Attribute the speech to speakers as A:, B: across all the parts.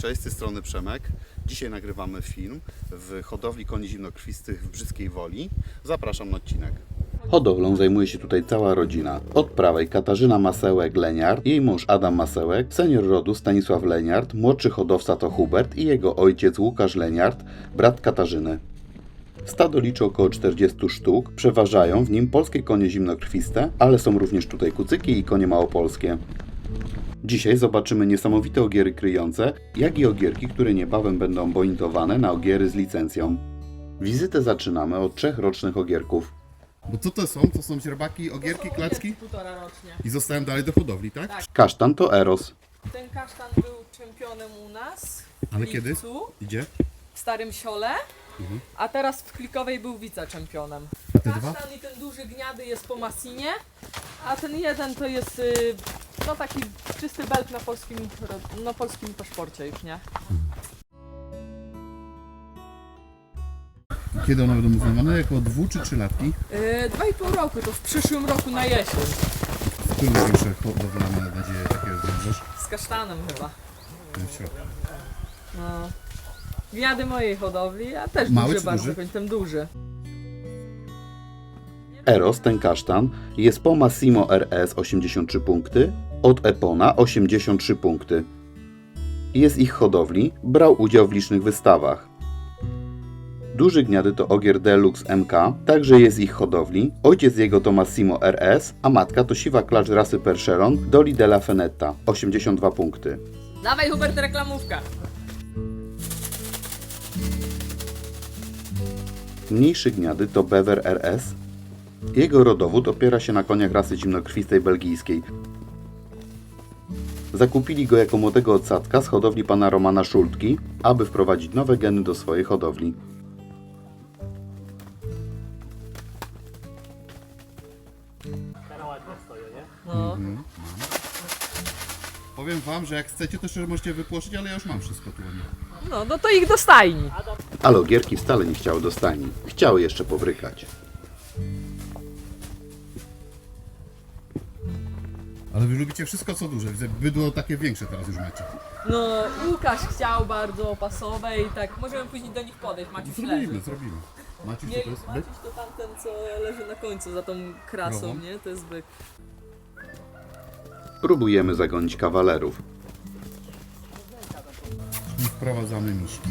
A: Cześć, z tej strony Przemek. Dzisiaj nagrywamy film w hodowli koni zimnokrwistych w Brzyskiej Woli. Zapraszam na odcinek. Hodowlą zajmuje się tutaj cała rodzina. Od prawej Katarzyna Masełek-Leniart, jej mąż Adam Masełek, senior rodu Stanisław Leniart, młodszy hodowca to Hubert i jego ojciec Łukasz Leniart, brat Katarzyny. Stado liczy około 40 sztuk, przeważają w nim polskie konie zimnokrwiste, ale są również tutaj kucyki i konie małopolskie. Dzisiaj zobaczymy niesamowite ogiery kryjące, jak i ogierki, które niebawem będą bonitowane na ogiery z licencją. Wizytę zaczynamy od 3 rocznych ogierków.
B: Bo co to są? To są źrebaki, ogierki, klacki?
C: Półtora rocznie.
B: I zostałem dalej do hodowli, tak?
C: Tak.
A: Kasztan to Eros.
C: Ten kasztan był czempionem u nas w
B: Ale kiedy?
C: lipcu,
B: Idzie?
C: w Starym Siole, a teraz w Klikowej był wice-czempionem.
B: A te dwa?
C: Kasztan i ten duży gniady jest po Massinie, a ten jeden to jest no taki czysty belk na polskim paszporcie już, nie?
B: Kiedy one będą uznawane? Jako 2 czy 3 latki?
C: 2,5 roku, to w przyszłym roku na jesień.
B: Który największe hodowla ma nadzieję takiego zwiążesz?
C: Z kasztanem chyba.
B: Ten w środku.
C: No. Gniady mojej hodowli, a też
B: Mały
C: duży
B: czy
C: bardzo,
B: duży?
C: ten duży.
A: Eros, ten kasztan, jest po Massimo RS 83 punkty, od Epona 83 punkty. Jest ich hodowli, brał udział w licznych wystawach. Duży gniady to ogier Deluxe MK, także jest ich hodowli. Ojciec jego to Massimo RS, a matka to siwa klacz rasy Percheron Doli della Fenetta, 82 punkty.
C: Dawaj Hubert, reklamówka.
A: Mniejszy gniady to Bever RS. Jego rodowód opiera się na koniach rasy zimnokrwistej belgijskiej. Zakupili go jako młodego odsadzka z hodowli pana Romana Szultki, aby wprowadzić nowe geny do swojej hodowli.
C: No.
B: Powiem wam, że jak chcecie, to jeszcze możecie wypłoszyć, ale ja już mam wszystko tu.
C: No to ich do stajni.
A: Ale ogierki wcale nie chciały do stajni. Chciały jeszcze pobrykać.
B: Ale wy lubicie wszystko co duże. Widzę, bydło takie większe teraz już macie.
C: No, Łukasz chciał bardzo opasowe i tak, możemy później do nich podejść. Maciuś leży.
B: Zrobimy. Maciuś, co
C: Nie,
B: to jest? Byk?
C: Maciuś to tamten, co leży na końcu za tą krasą,
B: Krową?
C: nie? To jest byk.
A: Próbujemy zagonić kawalerów.
B: I wprowadzamy miśki.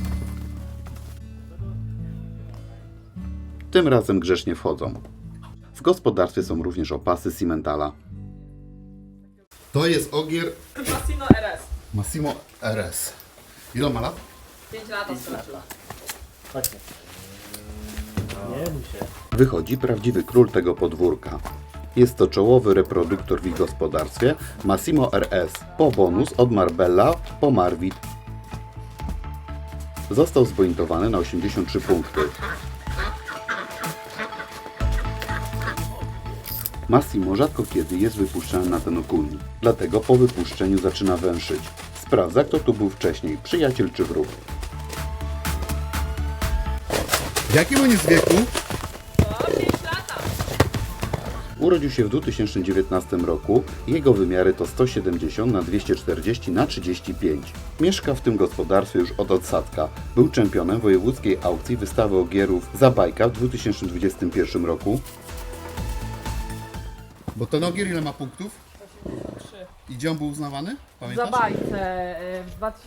A: Tym razem grzecznie wchodzą. W gospodarstwie są również opasy Simmentala.
B: To jest ogier
C: Massino RS.
B: Massimo RS. Ile ma lat?
C: 5 lat skończyła.
A: Wychodzi prawdziwy król tego podwórka. Jest to czołowy reproduktor w ich gospodarstwie Massimo RS, po bonus od Marbella po Marwit. Został zbonitowany na 83 punkty. Massimo rzadko kiedy jest wypuszczany na ten okulnik, dlatego po wypuszczeniu zaczyna węszyć. Sprawdza, kto tu był wcześniej, przyjaciel czy wróg.
B: W jakim on jest wieku?
C: O, 5 lata.
A: Urodził się w 2019 roku. Jego wymiary to 170 na 240 na 35. Mieszka w tym gospodarstwie już od odsadzka. Był czempionem wojewódzkiej aukcji wystawy ogierów Zabajka w 2021 roku.
B: Bo ten ogier ile ma punktów?
C: 3.
B: I gdzie on był uznawany? Pamiętasz?
C: Za bajce w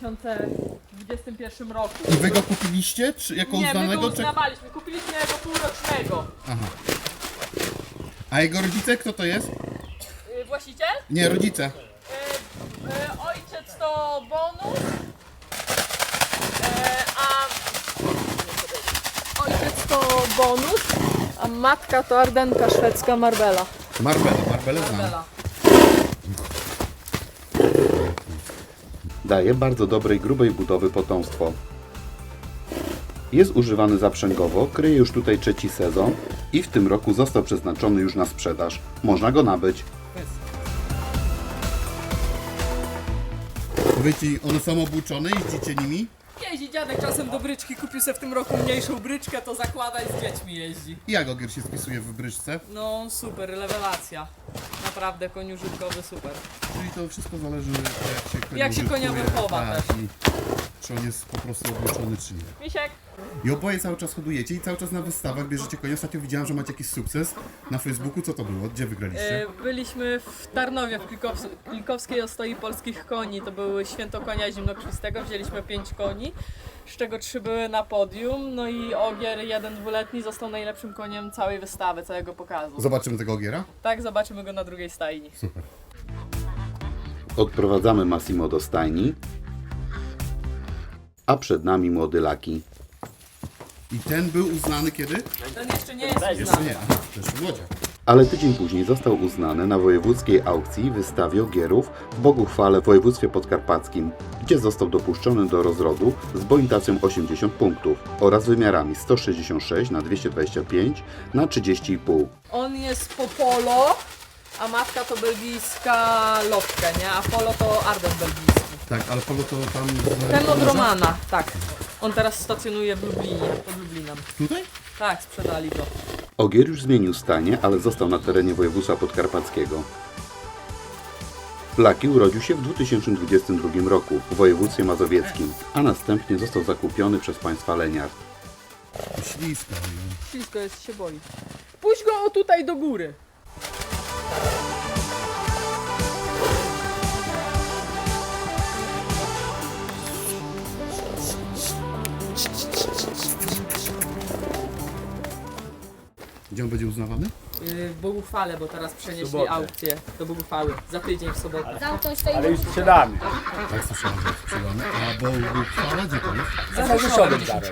C: 2021 roku.
B: I wy go kupiliście? Czy jako
C: Nie, my
B: uznanego?
C: go
B: Czy...
C: uznawaliśmy, kupiliśmy jego półrocznego.
B: Aha. A jego rodzice kto to jest?
C: Właściciel?
B: Nie, rodzice.
C: Ojciec to bonus, ojciec to bonus, a matka to ardenka szwedzka Marbella.
B: Marbelle znam.
C: Marbella.
A: Daje bardzo dobrej, grubej budowy potomstwo. Jest używany zaprzęgowo, kryje już tutaj 3. sezon i w tym roku został przeznaczony już na sprzedaż. Można go nabyć.
B: Powiedzcie, one są obuczone, jeździcie nimi?
C: Jeździ dziadek czasem do bryczki, kupił sobie w tym roku mniejszą bryczkę, to zakłada i z dziećmi jeździ.
B: I jak ogier się spisuje w bryczce?
C: No super, rewelacja. Naprawdę koń użytkowy super.
B: Czyli to wszystko zależy jak się konia
C: Jak się konia
B: użytkuje.
C: wychowa
B: Tak,
C: też.
B: i czy on jest po prostu obłoczony, czy nie.
C: Misiek!
B: I oboje cały czas hodujecie i cały czas na wystawach bierzecie konie. Ostatnio widziałem, że macie jakiś sukces na Facebooku. Co to było? Gdzie wygraliście?
C: Byliśmy w Tarnowie, w Klikowskiej Ostoi Polskich Koni. To były święto konia zimnokrwistego. Wzięliśmy 5 koni, z czego 3 były na podium. No i Ogier, jeden dwuletni, został najlepszym koniem całej wystawy, całego pokazu.
B: Zobaczymy tego ogiera?
C: Tak, zobaczymy go na drugiej stajni.
B: Super.
A: Odprowadzamy Massimo do stajni, a przed nami młody Laki.
B: I ten był uznany kiedy?
C: Ten jeszcze nie jest
B: Jeszcze
C: uznany.
B: nie. Aha, to jeszcze młodziak.
A: Ale tydzień później został uznany na wojewódzkiej aukcji wystawie ogierów w Boguchwale w województwie podkarpackim, gdzie został dopuszczony do rozrodu z bonifikacją 80 punktów oraz wymiarami 166 na 225 na 30,5.
C: On jest po polo, a matka to belgijska lotkę, nie? A polo to Arden belgijski.
B: Tak, ale polo to tam...
C: Ten od Romana, tak. On teraz stacjonuje w Lublinie, pod Lublinem.
B: Tutaj?
C: Tak, sprzedali go.
A: Ogier już zmienił stajnię, ale został na terenie województwa podkarpackiego. Laki urodził się w 2022 roku w województwie mazowieckim, a następnie został zakupiony przez państwa Leniart.
B: Ślisko.
C: Ślisko jest, się boi. Puść go o tutaj do góry.
B: Gdzie on będzie uznawany?
C: W Boguchwale, bo teraz przenieśli aukcję do Boguchwały. Za tydzień w sobotę.
D: Ale już sprzedamy.
B: Tak, słyszałem, że jest sprzedany. A bo uchwała gdzie to jest?
D: Za Rzeszowem zaraz.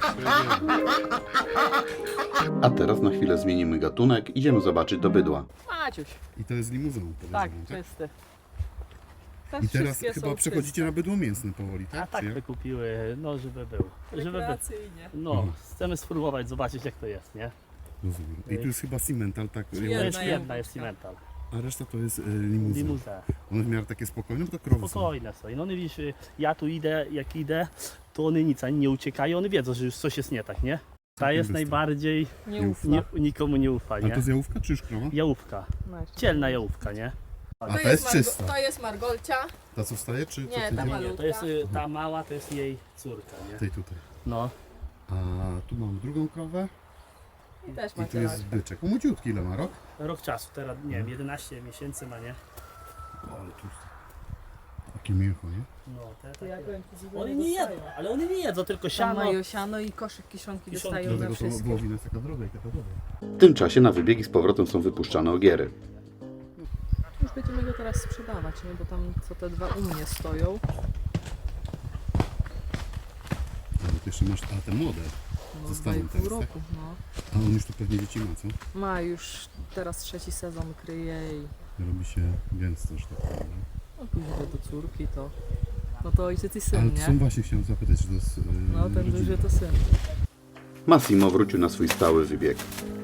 A: A teraz na chwilę zmienimy gatunek, idziemy zobaczyć do bydła.
C: Maciuś.
B: I to jest limuzyną,
C: Tak,
B: podejrzewam,
C: czysty.
B: I teraz
C: wszystkie
B: chyba
C: są
B: przechodzicie
C: czyste.
B: na bydło mięsne powoli,
E: A
B: tak?
E: tak
B: Czy jak?
E: wykupiły, no żeby był. Żeby był.
C: Rekreacyjnie.
E: No, chcemy spróbować, zobaczyć jak to jest, nie?
B: Rozumiem. I tu jest chyba cimental, tak?
E: To
C: Jedna
E: jest jedna,
C: jałówka.
E: jest cimental.
B: A reszta to jest limuzyn.
E: Limuzę.
B: One w miarę takie spokojne, bo to krowy są.
E: Spokojne są. I no one widzisz, ja tu idę, jak idę, to one nic ani nie uciekają, one wiedzą, że już coś jest nie tak, nie? Ta jest
B: bystro.
E: najbardziej,
C: Nieufna.
E: nikomu nie ufa,
B: Ale
E: nie?
B: to jest jałówka czy już krowa?
E: Jałówka.
C: No jeszcze.
E: Cielna jałówka, nie?
B: A ta jest czysta.
C: To jest Margolcia.
B: Ta co wstaje, czy
C: Nie,
B: to
C: ta
B: tydzień?
C: ma-
E: Nie, to jest ta mała, to jest jej córka, nie?
B: Tej tutaj.
E: No.
B: A tu mamy drugą krowę
C: I też
B: i tu
C: macie
B: jest byczek. Młodziutki, ile ma rok?
E: Rok czasu, teraz nie wiem, 11 miesięcy ma, nie?
B: O, ale tu takie mięcho, nie?
E: No, te
C: Jak
E: takie.
C: powiem ci,
E: One nie jedzą, ale one nie jedzą, tylko
C: Tam
E: siano.
C: mają siano i koszyk kiszonki
E: Kiszonki.
C: dostają na
B: Dlatego to
C: wszystko.
B: wołowina jest taka droga i taka droga.
A: W tym czasie na wybiegi z powrotem są wypuszczane ogiery.
C: Już będziemy go teraz sprzedawać, nie? Bo tam co te dwa u mnie stoją.
B: Ale ty jeszcze masz, a te młode.
C: No,
B: Zostaną
C: 2,5
B: teraz,
C: roku, no.
B: A on już tu pewnie dzieci ma, co?
C: Ma już teraz 3. sezon kryje i
B: Robi się gęsto, że tak powiem.
C: no, później do córki to... No to ojciec i
B: Ale
C: syn,
B: to są
C: nie?
B: właśnie, chciałem zapytać, czy to jest
C: No ten
B: rodzina?
C: duży to syn.
A: Massimo wrócił na swój stały wybieg.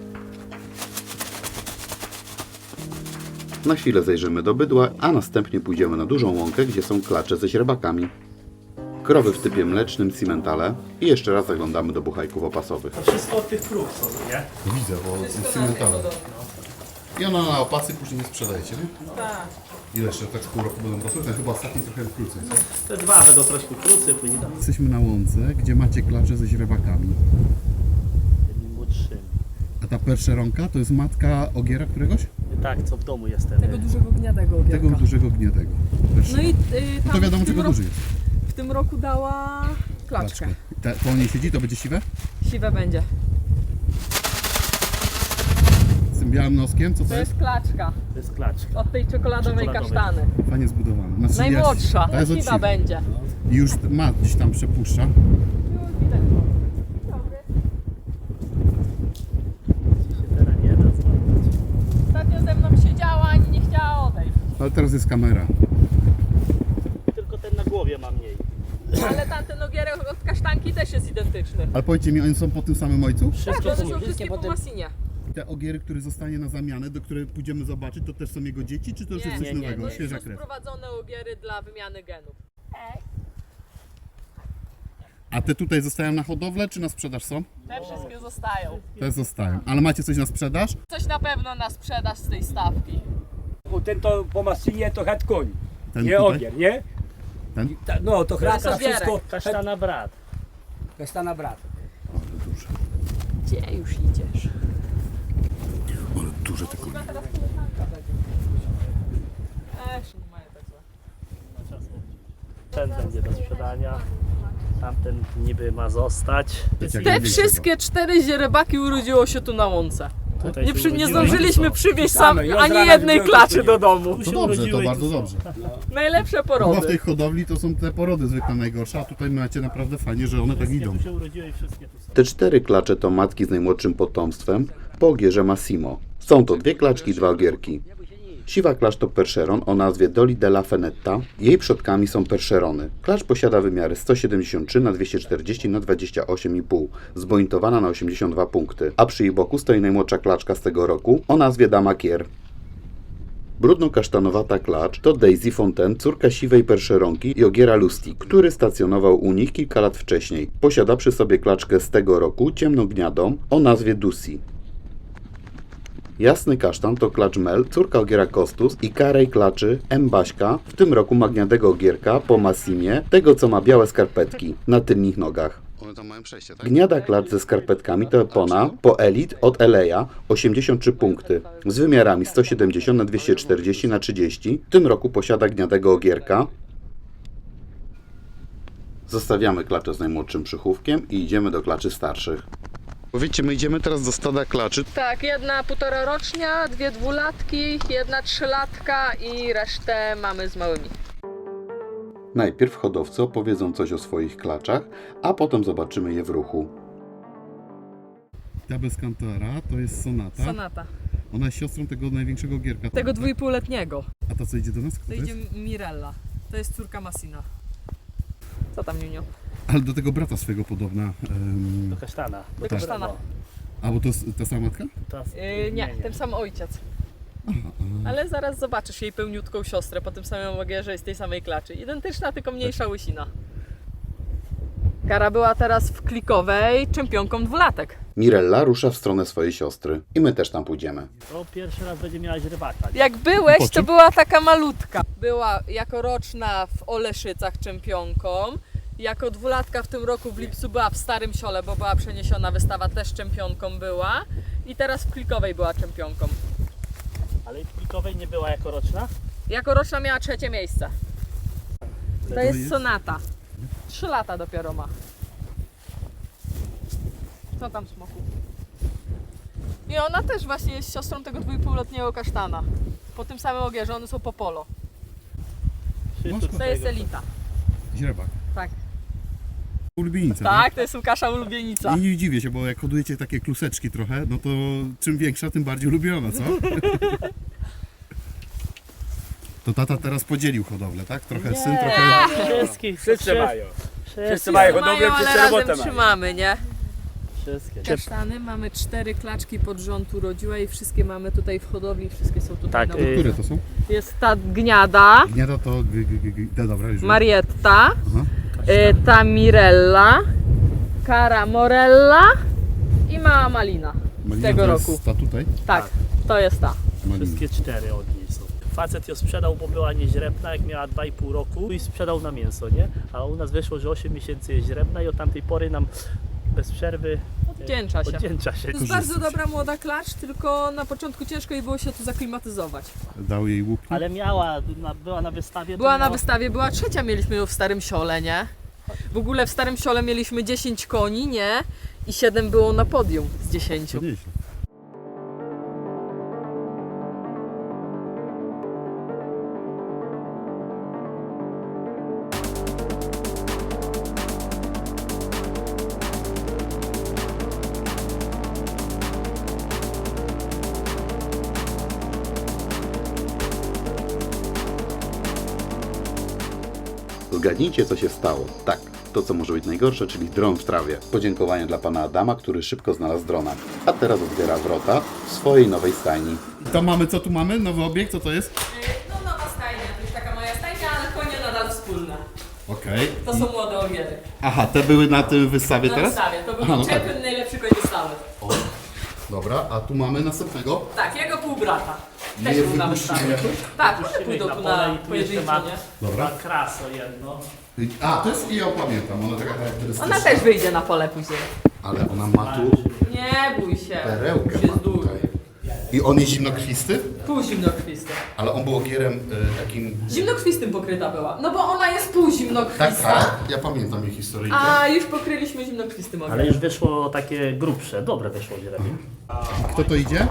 A: Na chwilę zajrzymy do bydła, a następnie pójdziemy na dużą łąkę, gdzie są klacze ze źrebakami. Krowy w typie mlecznym, cimentale i jeszcze raz zaglądamy do buchajków opasowych.
E: To wszystko od tych krów są, nie?
B: No widzę, bo jest cimentalne. I ona na opasy później nie sprzedajecie, nie?
C: Tak.
B: Ile jeszcze tak z pół roku będą rosły? Ten chyba ostatni trochę krócej, co?
E: Te dwa będą troszkę krócej, później tam
B: Jesteśmy na łące, gdzie macie klacze ze źrebakami.
E: tymi młodszymi.
B: A ta perszeronka to jest matka ogiera któregoś?
E: Tak, co w domu jest ten.
C: Tego dużego gniadego ogierka.
B: Tego dużego gniadego.
C: No i
B: No
C: tam
B: to wiadomo,
C: w, tym
B: czego
C: roku,
B: duży jest.
C: w tym roku dała klaczkę.
B: Po niej siedzi, to będzie siwe?
C: Siwe będzie.
B: Z tym białym noskiem, co to
C: To
B: jest?
C: jest klaczka.
E: To jest klaczka.
C: Od tej czekoladowej
E: Czekoladowej.
C: kasztany.
B: Fajnie zbudowane. Znaczy,
C: Najmłodsza.
B: To jest od
C: Siwa
B: siwy.
C: będzie.
B: I już ma gdzieś tam przepuszcza.
C: Już widać go.
E: Co się teraz nie da złapać.
C: Ostatnio ze mną siedziała, ani nie chciała odejść.
B: Ale teraz jest kamera.
E: Tylko ten na głowie ma mniej.
C: Ale tamten ogierek od kasztanki też jest identyczny.
B: Ale powiedzcie mi, oni są po tym samym ojcu?
C: Tak,
E: Wszystko
C: to
E: są
C: są wszystkie po Massinie.
B: Te ogiery, które zostanie na zamianę, do której pójdziemy zobaczyć, to też są jego dzieci, czy to już
C: Nie,
B: jest coś
E: nie,
B: nowego?
C: To
B: Świeża
C: są
B: krew.
C: sprowadzone ogiery dla wymiany genów.
B: A te tutaj zostają na hodowlę, czy na sprzedaż są?
C: Te wszystkie zostają.
B: Te zostają. Ale macie coś na sprzedaż?
C: Coś na pewno na sprzedaż z tej stawki.
D: Bo ten to po Masynie to het koń.
B: Ten
D: Nie
B: tutaj?
D: ogier, nie?
B: Ten?
D: No to chrasta
C: Sobierek.
D: wszystko.
E: Kasztana brat.
D: Kasztana brat.
B: Ale duże.
C: Gdzie już idziesz?
B: Ale duże te konie.
C: Nie mają tak złe.
E: Ten będzie do sprzedania. Tamten niby ma zostać.
B: Tak jak
C: Te
B: największego.
C: wszystkie 4 źrebaki urodziło się tu na łące.
E: Tutaj
C: Nie,
E: się
C: nie
E: urodziły.
C: zdążyliśmy przywieźć
D: Same, ja z
C: ani
D: rana
C: jednej
D: widziałem,
C: klaczy
D: to
C: do domu.
E: Tu
B: To
E: się
B: dobrze, to
E: urodziły i
B: bardzo
E: tu są.
B: dobrze.
C: Najlepsze
B: Chyba w
C: porody.
B: tej hodowli to są te porody zwykle najgorsze, a tutaj macie naprawdę fajnie, że one tak
E: Wszystkie
B: idą.
E: tu się urodziły i wszystkie tu są.
A: Te 4 klacze to matki z najmłodszym potomstwem po ogierze Massimo. Są to 2 klaczki i 2 ogierki. Siwa klacz to Percheron o nazwie Dolly della Fenetta. Jej przodkami są Percherony. Klacz posiada wymiary 173 na 240 na 28,5, zbointowana na 82 punkty, a przy jej boku stoi najmłodsza klaczka z tego roku o nazwie Dama Kier. Brudno-kasztanowata klacz to Daisy Fontaine, córka siwej Percheronki i ogiera Lustig, który stacjonował u nich kilka lat wcześniej. Posiada przy sobie klaczkę z tego roku, ciemną gniadą, o nazwie Dusi. Jasny kasztan to klacz Mel, córka ogiera Kostus i karej klaczy M. Baśka, w tym roku magniadego ogierka po Massimie, tego co ma białe skarpetki na tylnych nogach.
B: One tam mają przejście, tak?
A: Gniada klacz ze skarpetkami to Epona po Elite od Eleja 83 punkty z wymiarami 170 na 240 na 30. W tym roku posiada gniadego ogierka. Zostawiamy klaczę z najmłodszym przychówkiem i idziemy do klaczy starszych.
B: Powiedzcie, my idziemy teraz do stada klaczy.
C: Tak, jedna 1,5 rocznia, 2 dwulatki, jedna 3-latka i resztę mamy z małymi.
A: Najpierw hodowcy opowiedzą coś o swoich klaczach, a potem zobaczymy je w ruchu.
B: Ta bez kantara to jest Sonata.
C: Sonata.
B: Ona jest siostrą tego największego gierka.
C: Tego
B: tak?
C: 2,5-letniego.
B: A ta co idzie do nas? Kto
C: To
B: to
C: idzie
B: jest?
C: Mirella. To jest córka Massina. Co tam, Niunio?
B: Ale do tego brata swego podobna.
E: Do kasztana.
C: Do kasztana.
E: No,
B: A bo to jest ta sama matka?
E: to-
C: Nie, ten sam ojciec. Ale zaraz zobaczysz jej pełniutką siostrę po tym samym ogierze i z tej samej klaczy. Identyczna, tylko mniejsza łysina. Kara była teraz w klikowej czempionką 2-latek.
A: Mirella rusza w stronę swojej siostry i my też tam pójdziemy.
E: To pierwszy raz będzie miała źrebaka.
C: Jak byłeś,
B: Po
C: to
B: czym?
C: była taka malutka. Była jako roczna w Oleszycach czempionką. Jako 2-latka w tym roku w lipcu była w Starym Siole, bo była przeniesiona wystawa, też czempionką była. I teraz w klikowej była czempionką.
E: Ale w plikowej nie była jako roczna?
C: Jako roczna miała 3. miejsce. To
B: To
C: jest
B: jest?
C: Sonata. 3 lata dopiero ma. Co tam, smoku? I ona też właśnie jest siostrą tego 2,5-letniego kasztana. Po tym samym ogierze, one są po polo.
E: Wszyscy
C: To
E: z
C: jest
E: tego-
C: elita.
B: Źrebak.
C: Tak.
B: Ulubienica.
C: Tak, to jest Łukasza ulubienica.
B: I nie dziwię się, bo jak hodujecie takie kluseczki trochę, no to czym większa, tym bardziej ulubiona, co? To tata teraz podzielił hodowlę, tak? Trochę syn, trochę...
E: Wszystkich,
D: Wszyscy mają.
E: Wszyscy
D: Wszyscy mają hodowlę,
C: Mają, ale
D: wszyscy
C: razem
D: robotę mają.
C: trzymamy, nie?
E: Wszystkie.
C: Kasztany mamy 4 klaczki pod rząd urodziłe i wszystkie mamy tutaj w hodowli, wszystkie są tutaj
E: Tak,
C: na
B: Które to są?
C: Jest ta gniada,
B: Gniada to... Dobra, już wiem.
C: Marietta,
B: Aha.
C: ta Mirella, Cara Morella i mała Malina z
B: Malina
C: tego
B: to jest
C: roku.
B: ta tutaj?
C: Tak, to jest ta.
B: Malina.
E: Wszystkie 4 od niej są. Facet ją sprzedał, bo była nieźrebna, jak miała 2,5 roku i sprzedał na mięso, nie? A u nas wyszło, że 8 miesięcy jest źrebna i od tamtej pory nam bez przerwy
C: Oddzięcza się.
E: oddzięcza się.
C: To jest bardzo dobra młoda klacz, tylko na początku ciężko jej było się tu zaklimatyzować.
B: Dał jej łupki.
E: Ale była na wystawie. to
C: Była na
E: miała-
C: wystawie, była 3, mieliśmy ją w Starym Siole, nie? W ogóle w Starym Siole mieliśmy 10 koni, nie? I 7 było na podium z 10.
B: To nieźle.
A: Zgadnijcie, co się stało. Tak, to co może być najgorsze, czyli dron w trawie. Podziękowanie dla pana Adama, który szybko znalazł drona. A teraz otwiera wrota w swojej nowej stajni.
B: To mamy, co tu mamy? Nowy obiekt, co to jest?
C: No nowa stajnia, to jest taka moja stajnia, ale konie nadal wspólne.
B: Okej.
C: To są młode ogiery.
B: Aha, te były na tym wystawie
C: Na
B: teraz?
C: wystawie, to był
B: Aha, no tak.
C: czempion, najlepszy koń wystawy.
B: Dobra, a tu mamy następnego.
C: Tak, jego półbrata.
B: Nie
C: Też był na
B: wypuścimy
C: wystawie.
B: jakoś?
C: Tak, one
E: Puścimy
C: pójdą
E: ich
C: tu
E: pole
C: na
E: i tu jeszcze
C: pojedynczy,
E: ma,
C: nie?
B: Dobra.
E: ma kraso jedno.
B: A, to jest, ja ją pamiętam, ona taka charakterystyczna.
C: Ona też wyjdzie na pole później.
B: Ale ona ma tu
C: Nie bój się.
B: perełkę
C: Już
B: ma
C: jest długi.
B: tutaj. I on jest zimnokrwisty?
C: Półzimnokrwisty.
B: Ale on był ogierem takim...
C: Zimnokrwistym pokryta była. No bo ona jest półzimnokrwista.
B: Tak, tak. Ja pamiętam jej historię.
C: A już pokryliśmy zimnokrwistym
E: Ale
C: ogierem.
E: już wyszło takie grubsze, dobre wyszło źrebie.
B: Kto to idzie?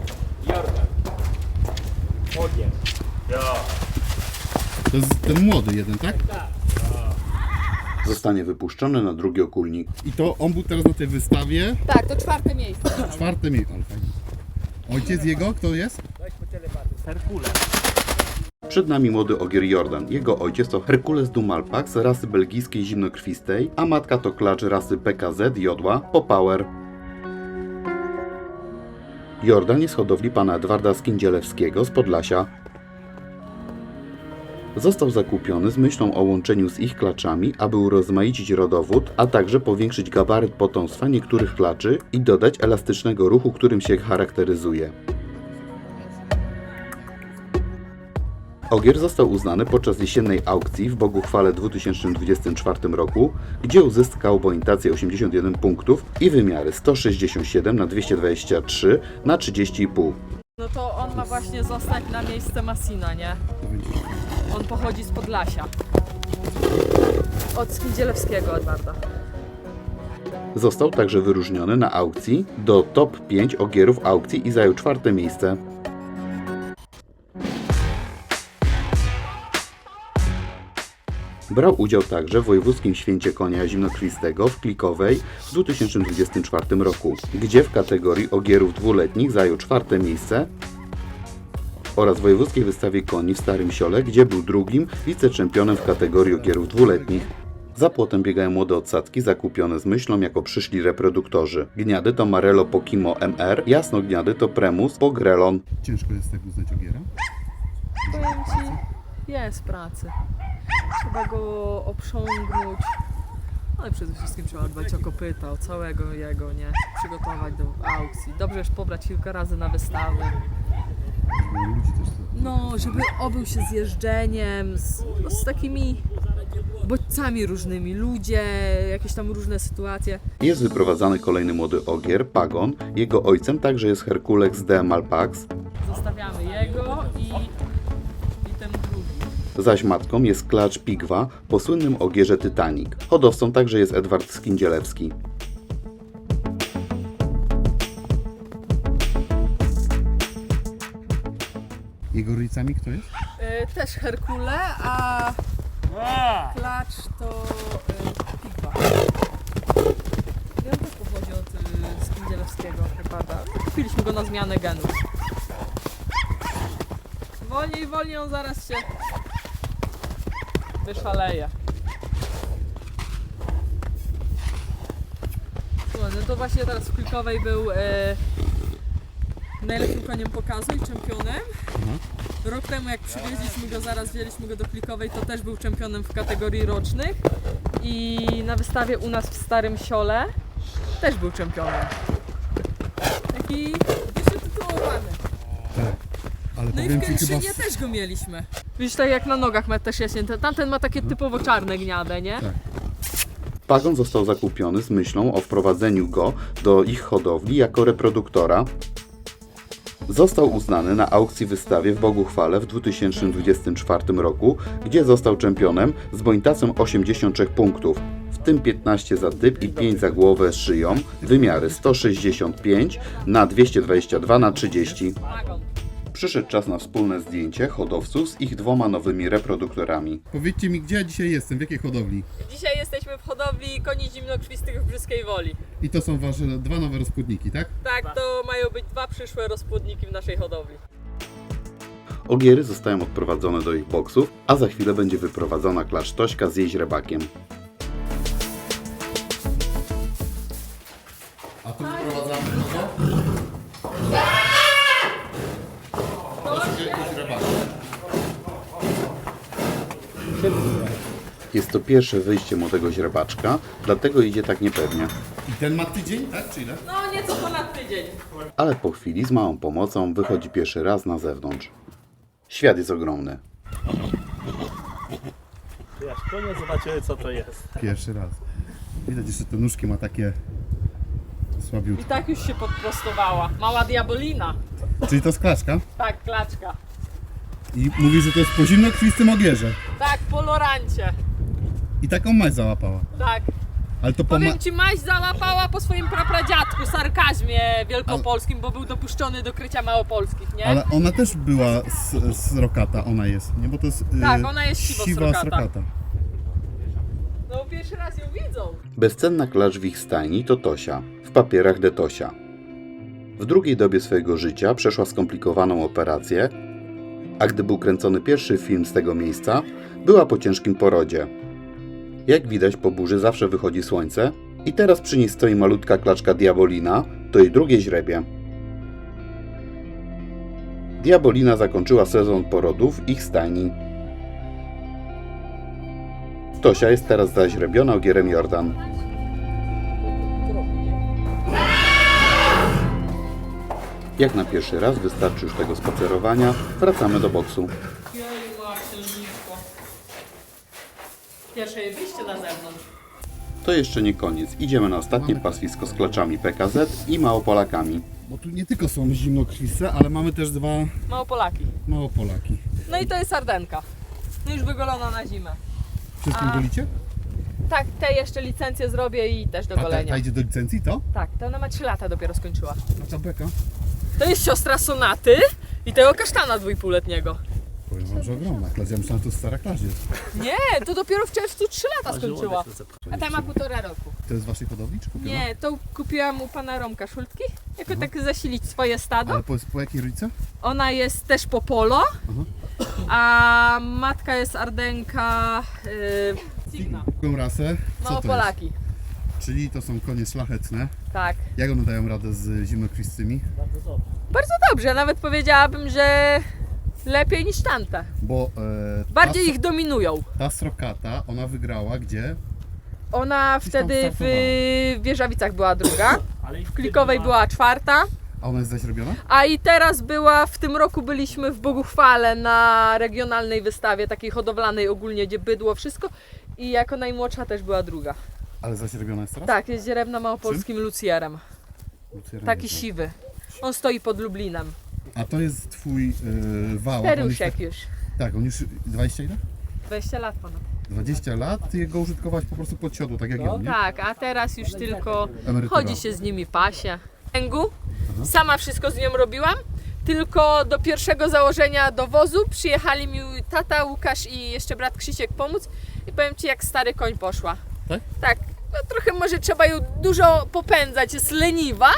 E: Ogień.
B: To jest ten młody jeden, tak?
A: Zostanie wypuszczony na drugi okulnik.
B: I to on był teraz na tej wystawie.
C: Tak, to 4. miejsce.
B: 4. miejsce. Ojciec jego, kto jest?
E: Herkules.
A: Przed nami młody ogier Jordan. Jego ojciec to Herkules du Malpax rasy belgijskiej zimnokrwistej, a matka to klacz rasy PKZ Jodła Popower. Jordan jest z hodowli pana Edwarda Skindzielewskiego z Podlasia. Został zakupiony z myślą o łączeniu z ich klaczami, aby urozmaicić rodowód, a także powiększyć gabaryt potomstwa niektórych klaczy i dodać elastycznego ruchu, którym się charakteryzuje. Ogier został uznany podczas jesiennej aukcji w Boguchwale w 2024 roku, gdzie uzyskał bonizację 81 punktów i wymiary 167 na 223 na 30,5.
C: No to on ma właśnie zostać na miejsce Masina, nie? On pochodzi z Podlasia. Od Skindzielewskiego Edwarda.
A: Został także wyróżniony na aukcji do top 5 ogierów aukcji i zajął 4. miejsce. Brał udział także w Wojewódzkim Święcie Konia Zimnokrwistego w Klikowej w 2024 roku, gdzie w kategorii ogierów dwuletnich zajął 4. miejsce oraz w Wojewódzkiej Wystawie Koni w Starym Siole, gdzie był drugim wiceczempionem w kategorii ogierów dwuletnich. Za płotem biegają młode odsadzki zakupione z myślą jako przyszli reproduktorzy. Gniady to Marello Pokimo MR, jasnogniady to Premus Pogrelon.
B: Ciężko jest tak uznać ogiera?
C: Powiem ci, jest pracy. Trzeba go oprzągnąć. Ale przede wszystkim trzeba dbać o kopyta, o całego jego, nie? Przygotować do aukcji. Dobrze już pobrać kilka razy na wystawy.
B: Bo ludzi też to...
C: No, żeby obył się z jeżdżeniem, z takimi bodźcami różnymi. Ludzie, jakieś tam różne sytuacje.
A: Jest wyprowadzany kolejny młody ogier, Pagon. Jego ojcem także jest Herkules de Malpax,
C: Zostawiamy jego i ten drugi.
A: zaś matką jest klacz Pigwa po słynnym ogierze Titanic. Hodowcą także jest Edward Skindzielewski.
B: Jego rodzicami kto jest?
C: Też Herkule, a klacz to Pigwa. I on też pochodzi od Skindzielewskiego Herbarda. Kupiliśmy go na zmianę genów. Wolniej, on zaraz się wyszaleje. Słuchaj, no to właśnie teraz w Klikowej był najlepszym koniem pokazu i czempionem. Rok temu jak przywieźliśmy go, zaraz wzięliśmy go do Klikowej, to też był czempionem w kategorii rocznych. I na wystawie u nas w Starym Siole też był czempionem. Taki wytytułowany.
B: Tak. Ale
C: No i
B: powiem
C: w
B: ci chyba...
C: Kętrzynie też go mieliśmy. Widzisz, tak jak na nogach ma też jaśnięte. Tamten ma takie typowo czarne gniade, nie?
B: Tak.
A: Pagon został zakupiony z myślą o wprowadzeniu go do ich hodowli jako reproduktora. Został uznany na aukcji wystawie w Boguchwale w 2024 roku, gdzie został czempionem z bonizacją 83 punktów, w tym 15 za typ i 5 za głowę z szyją, wymiary 165 na 222 na 30.
C: Wagon.
A: Przyszedł czas na wspólne zdjęcie hodowców z ich 2 nowymi reproduktorami.
B: Powiedzcie mi, gdzie ja dzisiaj jestem, w jakiej hodowli?
C: Dzisiaj jesteśmy w hodowli koni zimnokrwistych w Brzyskiej Woli.
B: I to są wasze 2 nowe rozpłodniki, tak?
C: Tak, to mają być 2 przyszłe rozpłodniki w naszej hodowli.
A: Ogiery zostają odprowadzone do ich boksów, a za chwilę będzie wyprowadzona klacz Tośka z jej źrebakiem.
B: A tu wprowadzamy kogo?
A: Jest to pierwsze wyjście młodego źrebaczka, dlatego idzie tak niepewnie.
B: I ten ma tydzień, tak? Czy ile?
C: No nieco ponad tydzień.
A: Ale po chwili z małą pomocą wychodzi pierwszy raz na zewnątrz. Świat jest ogromny.
E: Tu aż koniec zobaczymy co to jest.
B: Pierwszy raz. Widać jeszcze te nóżki ma takie
C: I
B: słabiutkie.
C: tak już się podprostowała. Mała diabolina.
B: Czyli to jest klaczka?
C: Tak, klaczka.
B: I mówi, że to jest po zimnokrwistym ogierze.
C: Tak, po lorancie.
B: I taką maź załapała.
C: Tak.
B: Ale to po
C: Powiem ci, maź załapała po swoim prapradziadku, sarkazmie wielkopolskim, bo był dopuszczony do krycia małopolskich, nie?
B: Ale ona też była srokata, ona jest, nie? Bo to jest
C: Tak, ona jest siwa
B: srokata.
C: No pierwszy raz ją widzą.
A: Bezcenna klacz w ich stajni to Tosia, w papierach de Tosia. W drugiej dobie swojego życia przeszła skomplikowaną operację, a gdy był kręcony pierwszy film z tego miejsca, była po ciężkim porodzie. Jak widać, po burzy zawsze wychodzi słońce i teraz przy niej stoi malutka klaczka Diabolina, to jej drugie źrebie. Diabolina zakończyła sezon porodów w ich stajni. Tosia jest teraz zaźrebiona ogierem Jordan. Jak na pierwszy raz wystarczy już tego spacerowania, wracamy do boksu.
C: Jej, ma księżniczko. Pierwsze jej wyjście na zewnątrz.
A: To jeszcze nie koniec. Idziemy na ostatnie pastwisko z klaczami PKZ i Małopolakami.
B: Bo tu nie tylko są zimnokrwiste, ale mamy też dwa
C: Małopolaki.
B: Małopolaki.
C: No i to jest sardenka. No już wygolona na zimę.
B: Wszystkim golicie?
C: Tak, te jeszcze licencję zrobię i też do
B: A
C: golenia.
B: ta idzie do licencji, to?
C: Tak, to ona ma 3 lata dopiero skończyła.
B: A ta beka?
C: To jest siostra Sonaty i tego kasztana 2,5-letniego.
B: Powiem wam, że ogromna klacz. Ja myślałem, że to stara klacz jest.
C: Nie, to dopiero w czerwcu 3 lata skończyła.
E: Żołądek to
C: A ta ma 1,5 roku.
B: To jest z waszej hodowli, czy kupiona?
C: Nie, to kupiłam u pana Romka Szultki, jako tak zasilić swoje stado.
B: Ale po jakiej rodzice?
C: Ona jest też po polo, a matka jest Ardenka Cigna.
B: Jaką rasę? Co to jest?
C: Małopolaki.
B: Czyli to są konie szlachetne.
C: Tak.
B: Jak one dają radę z zimnokrwistymi?
E: bardzo dobrze.
C: Bardzo dobrze, nawet powiedziałabym, że lepiej niż tamte.
B: Bo
C: Bardziej ich dominują.
B: ta srokata, ona wygrała gdzie?
C: Ona wtedy w
B: startowała.
C: Wieżawicach była druga,
E: Ale i
C: w Klikowej była 4,
B: A ona jest zaśrobiona?
C: a i teraz była, w tym roku byliśmy w Boguchwale na regionalnej wystawie, takiej hodowlanej ogólnie, gdzie bydło, wszystko. I jako najmłodsza też była druga.
B: Ale zaśrobiona jest teraz?
C: Tak, jest dzierewna małopolskim lucjerem.
B: Lucjera
C: Taki
B: nie znam.
C: siwy. On stoi pod Lublinem.
B: A to jest twój wałek?
C: Perusiek już.
B: Tak, on już 20 ile?
C: 20 lat ponad.
B: 20 lat, ty go użytkować po prostu pod siodło, tak jak ja, nie?
C: Tak, a teraz już tylko
B: Emerytura.
C: chodzi się z nimi pasie. Kręgu. Sama wszystko z nią robiłam. Tylko do pierwszego założenia do wozu przyjechali mi tata, Łukasz i jeszcze brat Krzysiek pomóc. I powiem ci, jak stary koń poszła.
B: Tak?
C: Tak. No trochę może trzeba ją dużo popędzać, jest leniwa,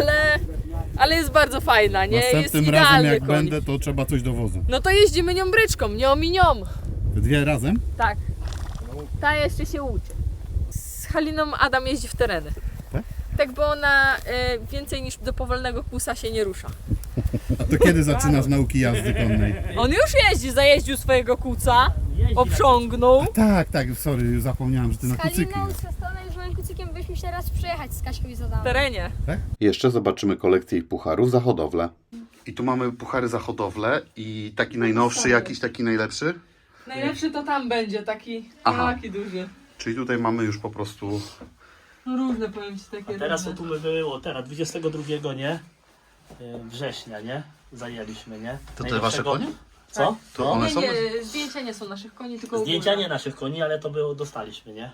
C: ale jest bardzo fajna, nie? Jest
B: Następnym razem
C: idealny
B: jak
C: koń.
B: będę, to trzeba coś do wozu.
C: No to jeździmy nią bryczką, nią i nią.
B: Dwie razem?
C: Tak. Ta jeszcze się uczy. Z Haliną Adam jeździ w tereny.
B: Tak?
C: Tak, bo ona więcej niż do powolnego kłusa się nie rusza.
B: A to kiedy zaczynasz nauki jazdy konnej?
C: On już jeździ, zajeździł swojego kuca, obciągnął.
B: Tak, sorry, zapomniałem, że ty na kucykli.
F: Haliną z Kastonem już moim kucykiem byśmy się raz przejechać z Kaśką i z
C: W
F: Adamem.
C: terenie.
A: Jeszcze zobaczymy kolekcję ich pucharów za hodowlę. I tu mamy puchary za hodowlę i taki najnowszy, jakiś taki najlepszy.
C: Najlepszy to tam będzie, taki duży.
A: Czyli tutaj mamy już po prostu...
C: No różne, powiem ci, takie
E: Teraz
C: różne.
E: tu by było, teraz 22, nie? Września, nie? Zajęliśmy, nie?
A: To te wasze konie?
E: Co?
A: To
E: No.
A: one
C: Nie,
A: są?
C: nie, zdjęcia nie są naszych koni, tylko
E: Zdjęcia
C: ogólne.
E: nie naszych koni, ale to było, dostaliśmy, nie?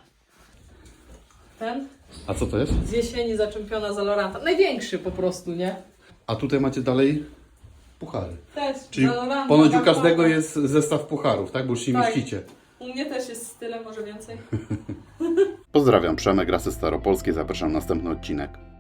C: Ten
A: A co to jest?
C: z jesieni zaczempiona za Loranta. Największy po prostu, nie?
A: A tutaj macie dalej puchary.
C: Też
A: Czyli
C: za Loranta.
A: ponoć u
C: Bartolka.
A: każdego jest zestaw pucharów, tak? Bo już się
C: Tak.
A: mieścicie.
C: U mnie też jest tyle, może więcej.
A: Pozdrawiam, Przemek, Rasy Staropolskie, zapraszam na następny odcinek.